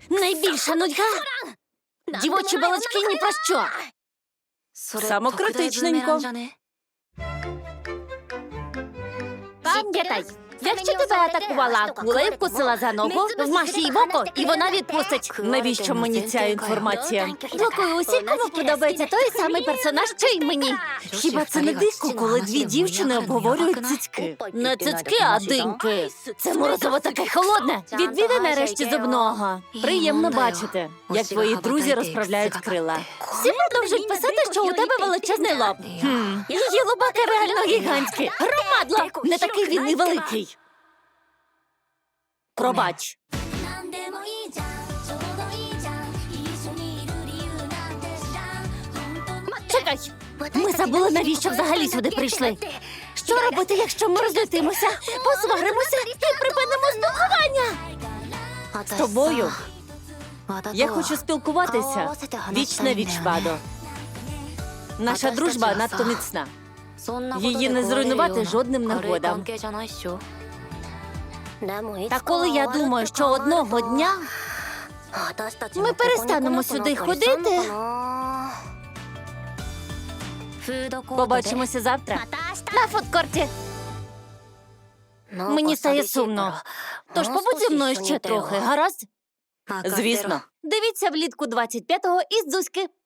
Найбільша нудьга? Дівочі балачки ні про що. Самокритичненько. Пам'ятай, якщо тебе атакувала акула і вкусила за ногу, вмаж їй в око, і вона відпустить. Навіщо мені ця інформація? Блокую усіх, кому подобається той самий персонаж, що й мені. Хіба це не дико, коли дві дівчини обговорюють цицьки? Не цицьки, а диньки. Це морозиво таке холодне. Відвідай нарешті зубного. Приємно бачити, як твої друзі розправляють крила. Всі продовжують писати, що у тебе величезний лоб. Її лобаки реально гігантські. Громадло! Не такий він і великий. Пробач. Чекай, ми забули, навіщо взагалі сюди прийшли. Що робити, якщо ми розлютимося, посваримося і припинимо спілкування? З тобою я хочу спілкуватися віч на віч, Вадо. Наша дружба надто міцна. Її не зруйнувати жодним нагодам. Та коли я думаю, що одного дня ми перестанемо сюди ходити. Побачимося завтра. На фудкорті. Мені стає сумно. Тож побудь зі мною ще трохи, гаразд? Звісно. Дивіться влітку 25-го із Дзузьки.